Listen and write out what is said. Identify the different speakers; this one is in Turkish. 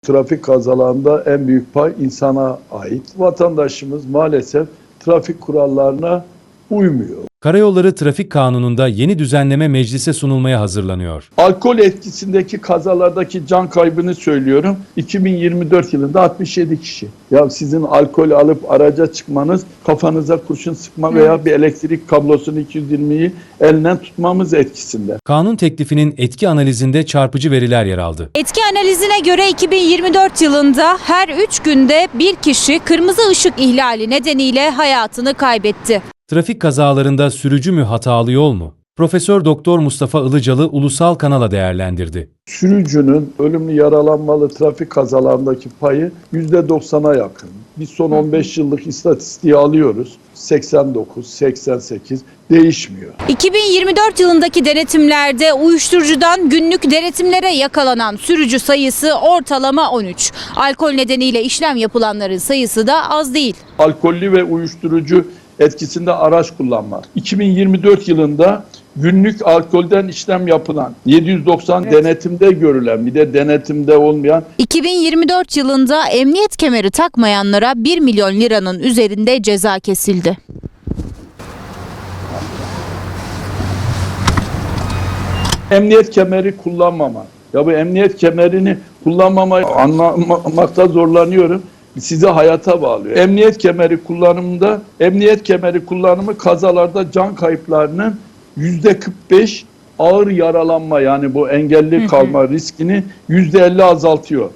Speaker 1: Trafik kazalarında en büyük pay insana ait. Vatandaşımız maalesef trafik kurallarına uymuyor.
Speaker 2: Karayolları Trafik Kanunu'nda yeni düzenleme meclise sunulmaya hazırlanıyor.
Speaker 1: Alkol etkisindeki kazalardaki can kaybını söylüyorum. 2024 yılında 67 kişi. Ya sizin alkol alıp araca çıkmanız, kafanıza kurşun sıkma veya bir elektrik kablosunu 220'yi elinden tutmamız etkisinde.
Speaker 2: Kanun teklifinin etki analizinde çarpıcı veriler yer aldı.
Speaker 3: Etki analizine göre 2024 yılında her 3 günde bir kişi kırmızı ışık ihlali nedeniyle hayatını kaybetti.
Speaker 2: Trafik kazalarında sürücü mü hatalı yol mu? Profesör Doktor Mustafa Ilıcalı ulusal kanala değerlendirdi.
Speaker 1: Sürücünün ölümlü yaralanmalı trafik kazalarındaki payı %90'a yakın. Biz son 15 yıllık istatistiği alıyoruz. 89, 88 değişmiyor.
Speaker 3: 2024 yılındaki denetimlerde uyuşturucudan günlük denetimlere yakalanan sürücü sayısı ortalama 13. Alkol nedeniyle işlem yapılanların sayısı da az değil.
Speaker 1: Alkollü ve uyuşturucu etkisinde araç kullanmak. 2024 yılında günlük alkolden işlem yapılan 790 denetimde görülen bir de denetimde olmayan
Speaker 3: 2024 yılında emniyet kemeri takmayanlara 1 milyon liranın üzerinde ceza kesildi.
Speaker 1: emniyet kemeri kullanmama. Ya bu emniyet kemerini kullanmamayı anlamakta zorlanıyorum. Sizi hayata bağlıyor. Emniyet kemeri kullanımı kazalarda can kayıplarının %45, ağır yaralanma yani bu engelli kalma riskini %50 azaltıyor.